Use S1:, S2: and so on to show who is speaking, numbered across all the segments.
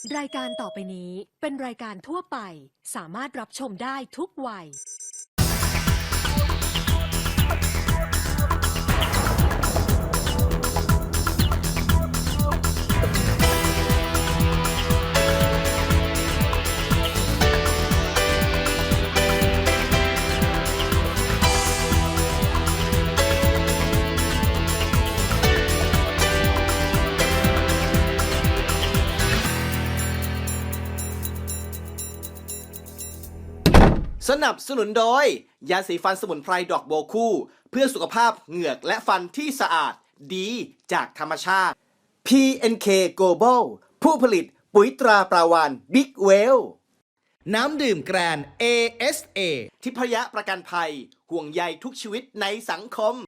S1: รายการต่อไปนี้เป็นรายการทั่วไปสามารถรับชมได้ทุกวัย
S2: สนับสนุนโดยยาสีฟันสมุนไพรดอกโบวคู่เพื่อสุขภาพเหงือกและฟันที่สะอาดดีจากธรรมชาติ PNK Global ผู้ผลิตปุ๋ยตราปราวานบิ๊กเวลน้ำดื่มแกรน ASA ทิพยประกันภัยห่วงใยทุกชีวิตในสังคม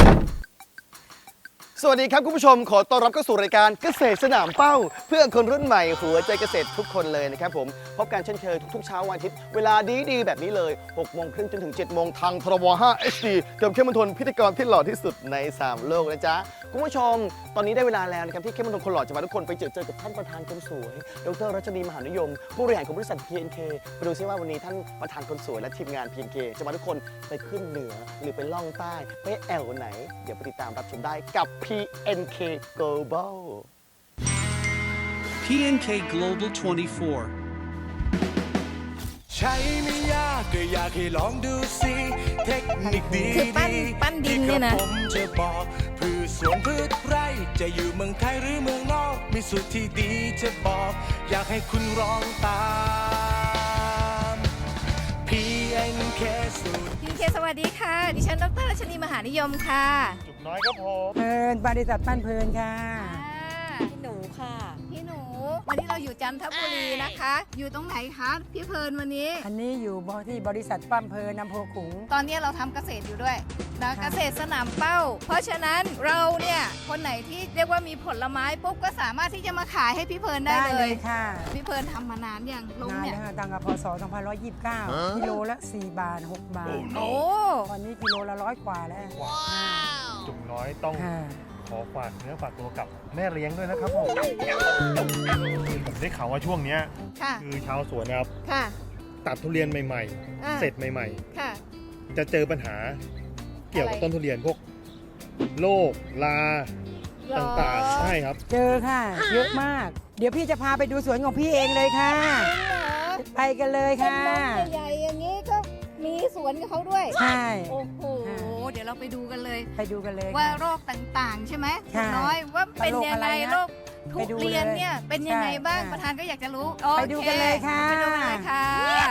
S3: สวัสดีครับคุณผู้ชมขอต้อนรับเข้าสู่รายการเกษตรสนามเป้าเพื่อคนรุ่นใหม่หัวใจเกษตรทุกคนเลยนะครับผมพบกันเช่นเคยทุกๆเช้าวันอาทิตย์เวลาดีๆแบบนี้เลย6 โมงครึ่งจนถึง7 โมงทางทรบ5 HD กับเข้มมณฑลพิธีกรที่หล่อที่สุดใน3โลกนะจ๊ะคุณผู้ชมตอนนี้ได้เวลาแล้วนะครับที่เข้มมณฑลคนหล่อจะพาทุกคนไปเจอกับท่านประธานคนสวยดร.รัชนีมหานิยมผู้บริหารของบริษัท PNK ไปดูซิว่าวันนี้ท่านประธานคนสวยและทีมงาน PNK จะพาทุกคนไปขึ้นเหนือหรือไปล่องใต้ไปแอวไหนเดี๋ยวไปติดตามรับชมได้กับ PNK Global
S4: PNK Global 24
S5: ใช้ไม่ยากก็อยากให้ลองดูสิเทคนิคดี
S6: คือปั้นดินเนี่ยนะ
S5: ผมจะบอกพืชสวนพืชไร่จะอยู่เมืองไทยหรือเมืองนอกมีสูตรที่ดีจะบอก อยากให้คุณลองตาม PNK สูตร
S6: พีเคสวัสดีค่ะ ดิฉันดร.รัชนีมหานิยมค่ะ
S7: เพลินบริษัทปั้นเพลินค่ะ
S6: พี่หนูค่ะ พี่หนู วันนี้เราอยู่จันทบุรีนะคะ อยู่ตรงไหนคะพี่เพลินวันนี้
S7: อันนี้อยู่ที่บริษัทปั้นเพลินอำเภอขลุง
S6: ตอนนี้เราทำเกษตรอยู่ด้วยนะเกษตรสนามเป้า เพราะฉะนั้นเราเนี่ยคนไหนที่เรียกว่ามีผลไม้ปุ๊บก็สามารถที่จะมาขายให้พี่เพลินได้เลย
S7: ค่ะ
S6: พี่เพลินทำมานานยังลง
S7: นาน
S6: เนี่ย
S7: แล้วค่ะตั้งแต่พศ2529กิโลละ4 บาท 6 บาท
S6: โอ้
S7: ตอนนี้กิโลละ100 กว่าแล้ว
S8: จุกน้อยต้อง
S7: ค่ะ
S8: ขอฝากเนื้อฝากตัวกับแม่เลี้ยงด้วยนะครับผมผมได้ข่าวว่าช่วงเนี้ย
S6: ค่ะ
S8: คือชาวสวนนะครับ
S6: ค่ะ
S8: ตัดทุเรียนใหม่
S6: อ่า
S8: ๆ เสร็จใหม่
S6: ค่ะ
S8: ๆ จะเจอปัญหาเกี่ยวกับ
S6: อะไร
S8: ต้นทุเรียนพวกโรคลาต่างๆใช่ครับ
S7: เจอค่ะ เยอะมาก เดี๋ยวพี่จะพาไปดูสวนของพี่เองเลยค่ะ ไปกันเลย
S6: เป็น
S7: ค่ะ
S6: น้องใหญ่ๆอย่างนี้ก็มีสวนกับเขาด้วย
S7: ใช่
S6: โอ้โห
S7: ค่ะ
S6: เดี๋ยวเราไปดูกันเลย
S7: ไปดูกันเลย
S6: ว่า
S7: ค่ะ
S6: โรคต่างๆ ใช่ไหม
S7: ค่ะ
S6: น้อยว่าเป็นยังไง
S7: โรคอะไรนะ
S6: โรคทุ
S7: ไปดู
S6: เรียน
S7: เลย
S6: เนี่ยเป็นยังไง
S7: ใช่
S6: บ้าง
S7: ค่ะ
S6: ประธานก็อยากจะรู้
S7: ไปดูกันเลยค่ะ
S6: ไปดูกันเลยค่ะ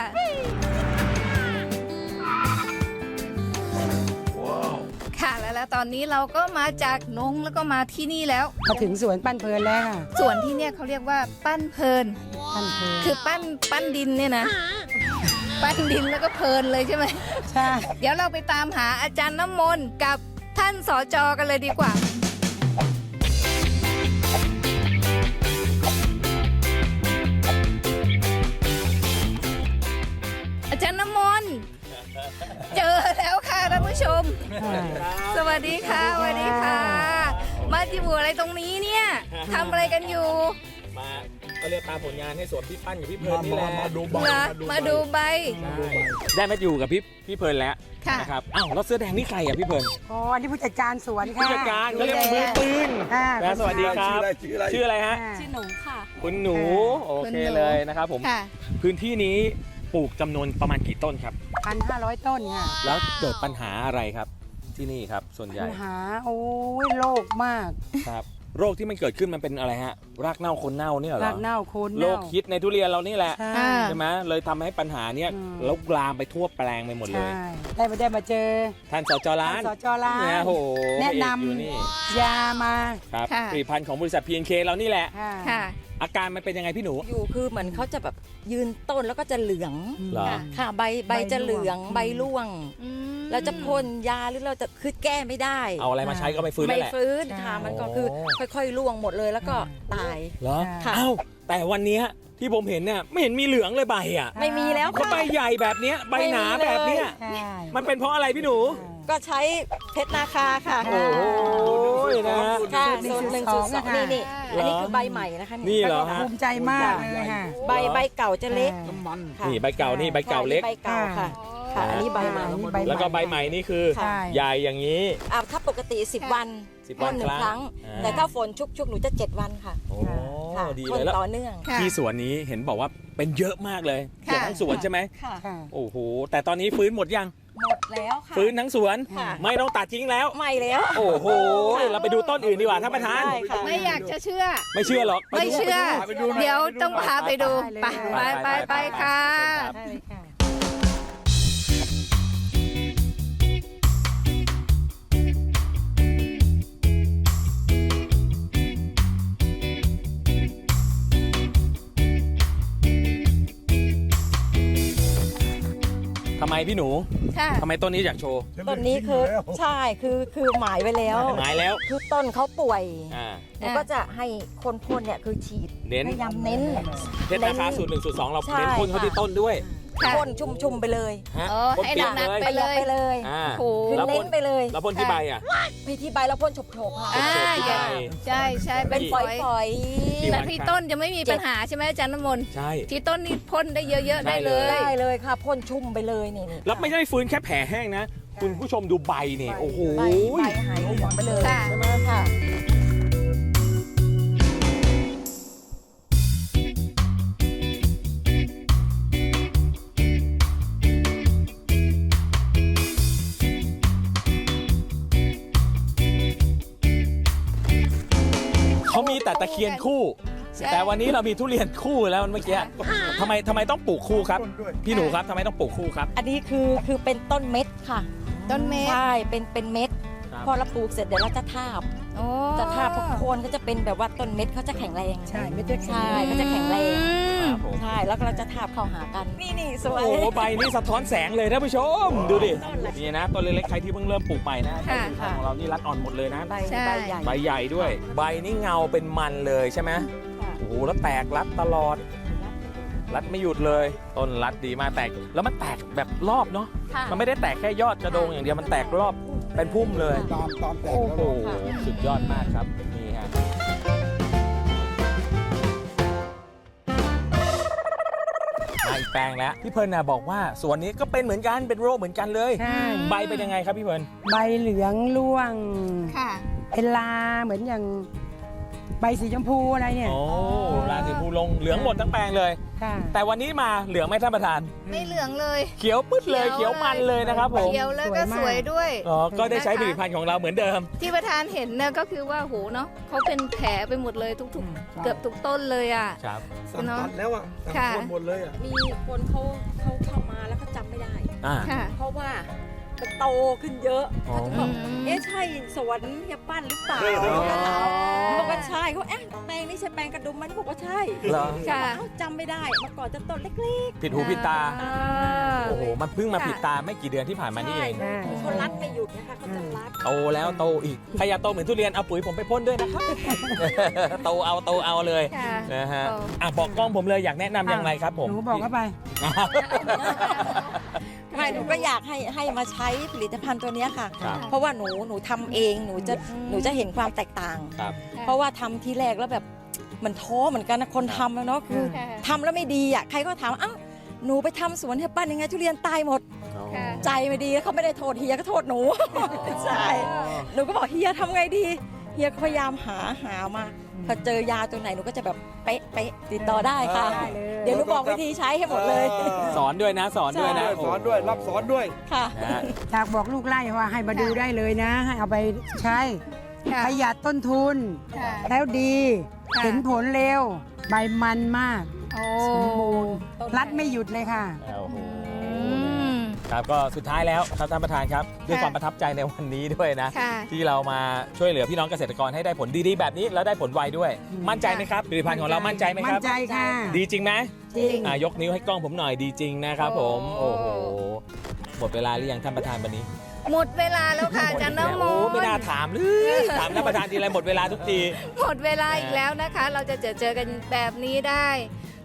S6: ค่ะแล้วตอนนี้เราก็มาจากนงแล้วก็มาที่นี่แล้ว
S7: มาถึงสวนปั้นเพลินแล้วค่ะ
S6: ส่วนที่เนี่ยเขาเรียกว่าปั้นเพลิน
S7: ปั้นเพลิน
S6: คือปั้นดินเนี่ยนะ ปั้นดินแล้วก็เพลินเลยใช่ไหม
S7: ใช่
S6: เดี๋ยวเราไปตามหาอาจารย์น้ำมนต์กับท่านสจกันเลยดีกว่า อาจารย์น้ำมนต์เจอแล้วค่ะท่านผู้ชม สวัสดีค่ะสวัสดีค่ะ มาที่บัวอะไรตรงนี้เนี่ยทำอะไรกันอยู่
S9: มาก็เรียกตามผลงานให้สวนพี่ปั้นกับพี่เพลินนี่แหละ
S6: เหรอมาดูใบ
S9: ได้มาอยู่กับพี่เพลินแล้ว
S6: ค่ะ
S9: นะครับอ้าวแล้วเสื้อแดงนี่ใครอ่ะพี่เพลิน
S7: อ๋ออันนี้ผู้จัดการสวนค่ะ
S9: ผู้จัดการเขาเรียกว่ามือปืน
S7: ค่ะ
S9: แล้วสวัสดีครับชื่ออะไรฮะ
S7: ชื่อ
S6: หนูค่ะ
S9: คุณหนู
S7: ค่ะ
S9: โอเคเลยนะครับผม
S6: ค่ะ
S9: พื้นที่นี้ปลูกจำนวนประมาณกี่ต้นครับ
S7: 1,500 ต้นค่ะ
S9: แล้วเกิดปัญหาอะไรครับที่นี่ครับส่วนใหญ่
S7: ปัญหาโอ้ยโรคมาก
S9: ครับโรคที่มันเกิดขึ้นมันเป็นอะไรฮะรากเน่าคนเน่าเนี่ยเหรอ
S7: รากเน่าโคน
S9: โร
S7: เน่า
S9: คฮิตในทุเรียนเรานี่แหละ
S7: ใช่
S6: อ่า
S9: ใช่ไหมเลยทำให้ปัญหาเนี้ย
S7: อืม
S9: แล้วลามไปทั่วแปลงไปหมดเลย
S7: ใช่ได้มาเจอ
S9: ท่านสจร้าน
S7: สจร้าน
S9: เนี่ยโห
S7: แนะน
S9: อยู่นี่
S7: ำยามา
S9: ครับ
S6: ค่ะ
S9: ผลิตภัณฑ์ของบริษัท PNK เรานี่แหละ
S7: ค่ะ
S6: ค่ะ
S9: อาการมันเป็นยังไงพี่หนู
S10: อยู่คือเหมือนเขาจะแบบยืนต้นแล้วก็จะเหลือง
S9: เหรอ
S10: ค่ะใบจะเหลืองใบร่วง เราจะพ่นยาหรือเราจะคือแก้ไม่ได้
S9: เอาอะไรมาใช้ก็ไม่ฟื้น
S10: ไม่
S9: นั่นแหละ
S10: ฟื้น
S7: ใช่
S10: ค่ะมันก็คือค่อยๆร่วงหมดเลยแล้วก็ตาย
S9: เหรอ
S10: ค่ะ
S9: เอ้าแต่วันเนี้ยที่ผมเห็นเนี่ยไม่เห็นมีเหลืองเลยใบอ่ะ
S10: ไม่มีแล้ว
S9: ก็
S10: ค่ะ
S9: ใบใหญ่แบบเนี้ยใบหนาแบบเนี้ย
S7: ใช่
S9: มันเป็นเพราะอะไรพี่หนู
S10: ก็ใช้เพชรนาคาค่ะ
S9: โอ้โหยนะฮะ
S10: ค่ะ
S7: สู
S10: สู
S7: ต
S10: ต
S7: ร
S10: ร
S7: ห
S10: ห
S7: นึ่
S10: นึ่
S7: ง
S10: ง
S7: สู
S10: สู
S7: ต
S10: ต
S7: ร
S10: ร
S7: ส
S10: ส
S7: อ
S10: อง งนี่
S9: เหรอ
S10: อันนี้คือใบใหม่นะคะ
S9: นี่เหรอฮะ
S7: ภูมิใจมากเลยค่ะ
S10: ใบเก่าจะเล็กค่ะ
S9: นี่ใบเก่านี่ใบเก่าเล็ก
S10: ใบเก่าค่ะค่ะ อันนี้ใบใหม่
S7: นี่ใบ
S9: แล้วก็ใบใหม่นี่คือ
S7: ใช่
S9: ใหญ่อย่างนี้
S10: ถ้าปกติ 10 วัน
S9: 10 วัน
S10: หนึ่ง
S9: ค
S10: ค
S9: รั้
S10: รั้
S9: ง
S10: ง
S9: อ่า
S10: แต่ถ้าฝนชุกๆหนูจะ 7 วันค่ะ
S9: โอ้
S10: ค่ะ
S9: ดี
S10: พ่
S9: เลย
S10: น
S9: แล้ว
S10: ต่อเนื่อง
S6: ค่ะ
S9: ที่สวนนี้เห็นบอกว่าเป็นเยอะมากเลยเกือบทั้งสวนใช่ไหม
S10: ค่ะ
S7: ค่ะ
S9: โอ้โหแต่ตอนนี้ฟื้นหมดยัง
S10: หมดแล้วค่ะ
S9: ฟื้นทั้งสวน
S10: ค่ะ
S9: ไม่ต้องตัดทิ้งแล้ว
S10: ไม่แล้ว
S9: โอ้โหเราไปดูต้นอื่นดีกว่าท่านประธาน
S10: ได้ค่ะ
S6: ไม่อยากจะเชื่อ
S9: ไม่เชื่อหรอก
S6: ไม่เชื่อ เดี๋ยวต้องพาไปดู ไปค่ะ
S7: ได้เลยค่ะ
S9: ทำไมพี่หนู
S6: ค่ะ
S9: ทำไมต้นนี้อยากโชว์
S10: ต้นนี้คือใช่คือหมายไว้แล้ว
S9: หมายแล้ว
S10: คือต้นเขาป่วย
S9: อ่า
S10: หนูก็จะให้คนพ่นเนี่ยคือฉีด
S9: เน้น
S10: พยายามเน้น
S9: เพชรราคาสูตร1สูตร2เรา
S10: ใช่
S9: เน้นพ่นเขาที่ต้นด้วย
S6: ค่ะ
S10: พ่นชุ่มๆไปเลย
S9: ฮะ
S6: โอ้
S9: พ่น
S6: ให้
S9: เปียก
S6: หนัก
S9: เลย
S6: ๆ
S10: ประหยัดไปเลย
S9: อ่า
S6: โอ้โห
S10: คือ
S9: แล้ว
S10: เน้
S9: พ่
S10: น
S9: น
S10: ไปเลย
S9: แล้วพ่นที่ใบอ่ะ
S10: พี่ที่ใบแล้วพ่นโฉบๆค่ะ
S6: อ่า
S9: ที่ใบ
S6: ใช่ใช่
S10: เป็
S6: เป็น น
S10: ฝ
S6: ฝ
S10: อ
S6: อย
S10: ย
S9: ที่
S6: แต่ที่ต้นจะไม่มีปัญหาใช่ไหมอาจารย์น้ำมนต์
S9: ใช่
S6: ที่ต้นนี่พ่นได้เยอะๆได้เล
S10: ๆ
S6: ย
S10: ได้เลยค่ะพ่นชุ่มไปเลยนี่
S9: แล้วไม่ได้ฟื้นแค่แผลแห้งนะ คุณผู้ชมดูใบนี่โอ้โห
S10: ใบหายเหลืองไปเลย
S6: ค่ะ
S10: ใช่ไหมค่ะ
S9: เขามีแต่ตะเคียนคู่
S6: ใช่
S9: แต่วันนี้เรามีทุเรียนคู่แล้วเมื่อกี้ทำไมต้องปลูกคู่ครับ พี่หนูครับทำไมต้องปลูกคู่ครับ
S10: อันนี้คือเป็นต้นเม็ดค่ะ
S6: ต้นเมฆ
S10: ใช่เป็นเม็ด
S9: ครับ
S10: พอเราปลูกเสร็จเดี๋ยวเราจะทาบ
S6: โอ้
S10: จะทาบพวกโคนก็จะเป็นแบบว่าต้นเม็ดเขาจะแข็งแรง
S7: ใช่ไม่ได้
S10: ใช่เขาจะแข็งแรง
S9: ครับผม
S10: ใช่แล้วก็เราจะทาบเข้าหากัน นี่สวย
S9: โอ้โหใบนี่สะท้อนแสงเลยท่านผู้ชม ดูดินี่นะต้นเล็กๆใครที่เพิ่งเริ่มปลูกใหม่นะ
S6: ค่ะ
S9: ของเรานี่รัดอ่อนหมดเลยนะ
S10: ใบ
S6: ใช่
S10: ใบใหญ่
S9: ใบใหญ่ด้วย ใบนี่เงาเป็นมันเลยใช่ไหม
S10: ค่ะ
S9: โอ้โหแล้วแตกรัดตลอด รัดไม่หยุดเลย ต้นรัดดีมากแตกแล้วมันแตกแบบรอบเนาะ
S10: ค่ะ
S9: มันไม่ได้แตกแค่ยอดกระโดงอย่างเดียวมันแตกรอบเป็นพุ่มเลย
S3: ตามแตก
S9: โอ้
S3: แล้ว
S9: โหสุดยอดมากครับนี่ฮะมาอีกแปลงแล้วพี่เพลิร์นนะบอกว่าสวนนี้ก็เป็นเหมือนกันเป็นโรคเหมือนกันเลย
S7: ใช่
S9: ใบเป็นยังไงครับพี่เพลิร์น
S7: ใบเหลืองร่วง
S6: ค่ะ
S7: เป็นลาเหมือนอย่างใบสีชมพูอะไรเนี่ย
S9: โอ้ราสีภูลงเหลืองหมดทั้งแปลงเลย
S7: ค่ะ
S9: แต่วันนี้มาเหลืองไหมท่านประธาน
S6: ไม่เหลืองเลย
S9: เขียวปึ๊ดเลยเขียวมันเลยนะครับผม
S6: เขียวแล้วก็สวยด้วย
S9: อ๋อก็ได้ใช้ผลิตภัณฑ์ของเราเหมือนเดิม
S6: ที่ประธานเห็นเนี่ยก็คือว่าโหเนาะเขาเป็นแผลไปหมดเลยทุกๆ เกือบทุกต้นเลยอ่ะ
S9: ครับ
S6: เนาะ
S3: แล้วอ่ะ
S6: ค่ะ
S3: หมดเลยอ่ะ
S10: มีคนเขาเข้ามาแล้วเขาจำไม่ได้
S9: อ่า
S6: ค่ะ
S10: เพราะว่ามันโตขึ้นเยอะ
S9: อ๋อ
S10: เขาจะบอก
S6: อืม
S10: เอ๊ะใช่สวนเฮียปั้นหรือเปล่า บอกว่าใช่เขาเอ๊ะแปลงนี้ใช่แปลงกระดุมมันบอกว่าใช่
S9: เหรอ
S6: ค่ะ
S10: เอ้าจำไม่ได้เมื่อก่อนจะต้นเล็ก
S9: ผิดหูผิดตา
S6: อ่า
S9: โอ้โห มันเพิ่งมาผิดตาไม่กี่เดือนที่ผ่าน
S10: ๆ
S9: มานี่
S10: ใช่
S9: เอง
S10: คือเขารัดไม่หยุดนะคะเขาจะรัด
S9: โตแล้วโตอีก ใครอยากโตเหมือนทุเรียนเอาปุ๋ยผมไปพ่นด้วยนะครับ โตเอาเลย
S6: ค่ะ
S9: นะฮะ
S6: โต
S9: อ่ะบอกกล้องผมเลยอยากแนะนำยังไงครับผม
S7: หนูบอกเข้าไป
S10: ไม่หนูก็อยากให้มาใช้ผลิตภัณฑ์ตัวเนี้ยค่ะ
S9: ครับ
S10: เพราะว่าหนูทำเองหนูจะเห็นความแตกต่าง
S9: ครับ
S10: เพราะว่าทำทีแรกแล้วแบบมันท้อเหมือนกันนะคนทำอะเนาะคือ
S6: ค่ะ
S10: ทำแล้วไม่ดีอ่ะใครก็ถามอ้าวหนูไปทำสวนเฮียปั้นยังไงทุเรียนตายหมด
S6: ค่ะ
S10: ใจไม่ดีแล้วเขาไม่ได้โทษเฮียก็โทษหนู ใช่หนูก็บอกเฮียทำไงดีเฮียก็พยายามหามาพอเจอยาตัวไหนหนูก็จะแบบเป๊ะติดต่อได้ค่ะ
S7: ได้เลย
S10: เดี๋ยวหนูบอกวิธีใช้ให้หมดเลย
S9: สอนด้วยนะ สอนด้วยนะ
S3: สอนด้วยรับสอนด้วย
S10: ค่ะ
S9: นะฮะ
S7: อยากบอกลูกไล่ว่าให้มาดูได้เลยนะ ให้เอาไปใช้
S6: ค่ะ
S7: ประหยัดต้นทุน
S6: ค่ะ
S7: แล้วดี
S6: ค่ะ
S7: เห็นผลเร็ว ใบมันมาก
S6: โอ้
S7: สมบูรณ์รัดไม่หยุดเลยค่ะ
S9: โอ้โห
S6: อืม
S9: ครับก็สุดท้ายแล้วครับท่านประธานครับ ด้วย
S6: ค่ะ
S9: ความประทับใจในวันนี้ด้วยนะ
S6: ค่ะ
S9: ที่เรามาช่วยเหลือพี่น้องเกษตรกรให้ได้ผลดีๆแบบนี้แล้วได้ผลไวด้วย มั่นใจไหมครับผลิตภัณฑ์ของเรามั่นใจไหมค
S7: มั่
S9: รั
S7: น
S9: บ
S7: ใจค่ะ
S9: ดีจริงไหม
S7: จริง
S9: ยกนิ้วให้กล้องผมหน่อยดีจริงนะครับผม
S6: โอ้
S9: โอ้โหหมดเวลาหรือยังท่านประธานวันนี้
S6: หมดเวลาแล้วค่ะอาจารย์น้ำม
S9: โอ้
S6: นต์
S9: ไม่น่าถามเลยถามท่านประธานทีไรหมดเวลาทุกที
S6: หมดเวลาอีกแล้วนะคะ เราจะเจอกันแบบนี้ได้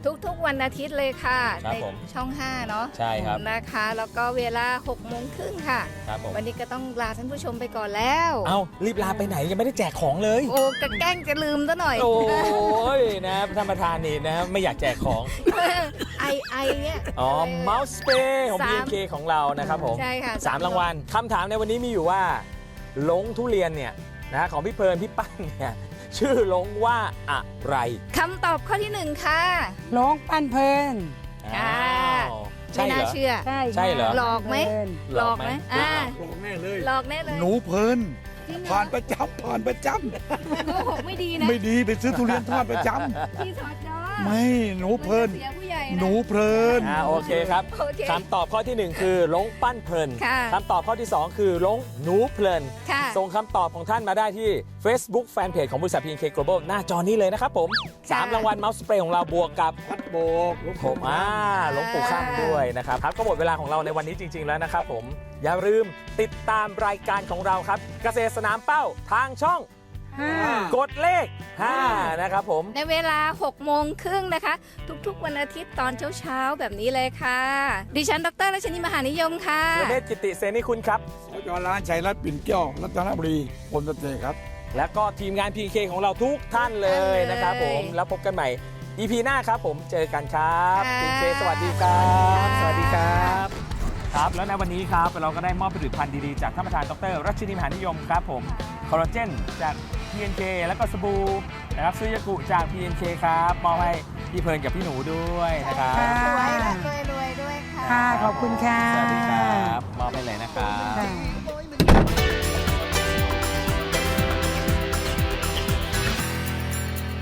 S6: ทุกๆวันอาทิตย์เลยค่ะ
S9: ครับ
S6: ใน
S9: ผม
S6: ช่อง 5 เนาะ
S9: ใช่ครับ
S6: นะคะ แล้วก็เวลา 6:30 ค่ะ
S9: ครับผม
S6: วันนี้ก็ต้องลาท่านผู้ชมไปก่อนแล้ว
S9: เอารีบลาไปไหนยังไม่ได้แจกของเลย
S6: โอ้กะแกล้งจะลืมซะหน่อย
S9: โอ้ยนะท่านประธานนี่นะไม่อยากแจกของ
S6: ไอเนี่ย
S9: อ๋อ Mouse Spray ของ
S6: สาม
S9: BNK ของเรานะครับผม
S6: ใช่ค่ะ
S9: 3 รางวัลคำถามในวันนี้มีอยู่ว่าลงทุเรียนเนี่ยนะของพี่เพลิร์นพี่ปั้นเนี่ยชื่อลงว่าอะไร
S6: คำตอบข้อที่ 1 ค่ะ
S7: ร้องปั้นเพลิน
S6: อ่า
S9: อ้าวใช่
S6: ไม่
S9: เหร
S6: น่า
S9: อ
S6: เชื่อ
S7: ใช่
S9: ใช่เหรอ
S6: หลอกไหม หลอกไหมอ่า
S8: หลอกแน่เลย
S6: หลอกแน่เลย
S8: หนูเพลิน
S6: จริงเหรอ
S8: ผ่านประจำผ่านประจ
S6: โกหกไม่ดีนะ
S8: ำไม่ดีไปซื้อทุเรียนทอดประจ
S6: พี่สอดจอ
S8: ำไม่หนูเพลิน
S6: เสียผู้ใหญ่ะ
S8: หนูเพลิน
S9: โอเคครับ
S6: โอเค
S9: คำตอบข้อที่ 1 คือลงปั้นเพลิน
S6: ค่ะ
S9: คำตอบข้อที่ 2 คือลงหนูเพลิน
S6: ค่ะ
S9: ส่งคำตอบของท่านมาได้ที่ Facebook Fanpage ของบริษัท PNK Global หน้าจอนี้เลยนะครับผม
S6: ค่ะ
S9: 3 รางวัล Mouse Spray ของเราบวกกับ
S8: พัดโบกลูก
S9: ผมหลวงปู่ข้ามด้วยนะครับครับก็หมดเวลาของเราในวันนี้จริง ๆ แล้วนะครับผมอย่าลืมติดตามรายการของเราครับ เกษตรสนามเป้าทางช่อง กดเลข 5 นะครับผม
S6: ในเวลา 6:30 นะคะ ทุกๆ วันอาทิตย์ตอนเช้าๆ แบบนี้เลยค่ะ ดิฉันดรรัชนีมหานิยมค่ะ
S9: ประเภทกิติเสนีคุณครับ
S8: สจร้านชัยรัตน์ปิ่นแก้วรัตนบุรีพลตเตครับ
S9: และก็ทีมงาน PK ของเราทุกท่านเลยนะครับผม แล้วพบกันใหม่ EP หน้าครับผมเจอกันครับ
S6: ค่ะ
S9: PK สวัสดีครับ
S6: ค่ะ
S9: สวัสดีครับครับ แล้วในวันนี้ครับเราก็ได้มอบผลิตภัณฑ์ดีๆจากท่านประธานดรรัชนีมหานิยมครับผมคอลลาเจนจาก PNK แล้วก็สบู่นะครับซื้อยากุจาก PNK ครับมอบให้พี่เพลิร์นกับพี่หนูด้วยนะครับ
S7: ค่ะ
S6: สวยและรวยๆด้วยค่ะ
S7: ค่ะ ขอบคุณค่ะ
S9: สวัสดีครับมอบให้เลยนะครับ
S7: ค่ะ